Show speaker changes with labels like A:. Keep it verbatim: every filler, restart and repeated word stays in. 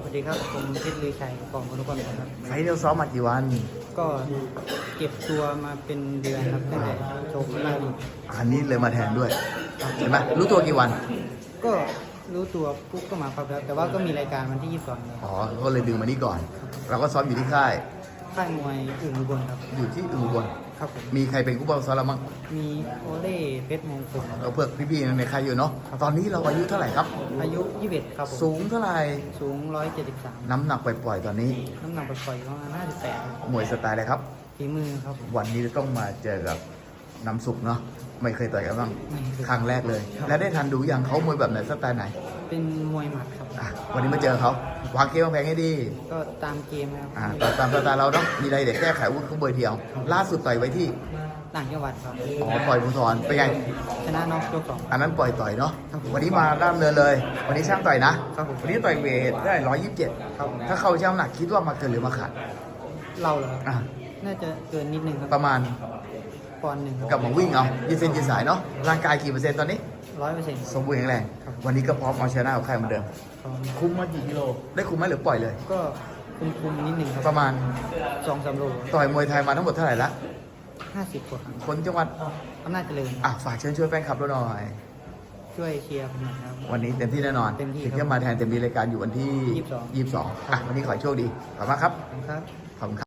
A: วัสดีครับผมเพชรลือชัยกองพลนครครับ
B: ไฟล์เราซ้อมมากี่วัน
A: ก็เก็บตัวมาเป็นเดือนครับตั้งแต่โชว์ล่าสุด
B: อันนี้เลยมาแทนด้วยเห็นไหมรู้ตัวกี่วัน
A: ก็รู้ตัวปุ๊บก็มาครับแล้วแต่ว่าก็มีรายการวันที่ยี่สิบสองครับ
B: อ๋อก็เลยดึงมานี่ก่อน เราก็ซ้อมอยู่ที่ค่าย
A: ค่ายมวยอึ่งอุบลครับ
B: อยู่ที่อุบล
A: ครับผม
B: มีใครเป็นผู้บังคับซ้อมเราบ้าง
A: มีโอเล่เพชรมงคล
B: ก็เพื่อพี่ๆในค่ายอยู่เนาะตอนนี้เราอายุเท่าไหร่ครับ
A: อายุยี่สิบเอ็ดครับผม
B: สูงเท่าไหร่
A: สูงร้อยเจ็ดสิบสาม
B: น้ำหนักปล่อยๆตอนนี้
A: น้ำหนักปล่อยๆประมาณห้าสิบแปด
B: มวยสไตล์อะไรครับ
A: ฝีมือครับผม
B: วันนี้ต้องมาเจอกับน้ำสุกเนาะไม่เคยต่อยกันบ้าง
A: ไม่เคย
B: ครั้งแรกเลย
A: ครับ
B: แล้วได้ทันดูยังเขามวยแบบไหนสไตล์ไหน
A: เป็นมวยหมัดครับ
B: อ่ะวันนี้มาเจอเขาวางเกมวางแผนให้ดี
A: ก็ตามเกมนะครับ
B: อ่าตามตามสไตล์เราเนาะมีอะไรเด็กแก้ไขวุ้นเขาเบอร์เดียว ล่าสุดต่อยไว้ที่
A: ต่างจังหวัดครับ
B: อ๋อต่อยภูทรเป็นไง
A: ชนะน็อกยกสอง
B: อันนั้นปล่อยต่อยเนาะ
A: ครับผม
B: วันนี้มาด้ามเนินเลย วันนี้ช่างต่อยนะ
A: ครับผม
B: วันนี้ต่อยเวทได้ร้อยยี่สิบเจ็ด
A: ครับผม
B: ถ้าเข้าช่างน้ำหนักคิดว่ามาเกินหรือมาขาด
A: เราเหรอครับ
B: อ่ะ
A: น่าจะเกินนิดนึงครับ
B: ประมาณ
A: ปอนด์หนึ่ง
B: กลับมาวิ่งเอายืดเส้นยืดสายเนาะ ร่างกายกี่เปอร์เซ็นต์ตอนนี้
A: ร้อยเปอร์เซ็นต์
B: สมบูรณ์แข็งแรง
A: ครับ
B: วันนี้ก็พร้อมเอาชนะกับใครเหมือนเดิม คุมมากี่กิโล ได้คุมไหมหรือปล่อยเลย
A: ก็คุมคุมๆนิดนึงครับ
B: ประมาณ
A: สองสามโล
B: ต่อยมวยไทยมาทั้งหมดเท่าไหร่ละ
A: ห้าสิบกว่าครั้ง
B: คนจังหวัด
A: อำนาจเจริญ
B: อ่ะฝากเชิญชวนแฟนคลับเราหน่อย
A: ช่วยเชียร์ผมหน่อยครับ
B: วันนี้เต็มที่แน่นอน
A: เต็มที่
B: ถึงจะมาแทนเต็มที่รายการอยู่วันที่
A: ยี่สิบสอง
B: ยี่สิบสองอ่ะวันนี้ขอให้โชคดี ขอบคุณมากครับ
A: ขอบคุณครับ
B: ขอบคุณครับ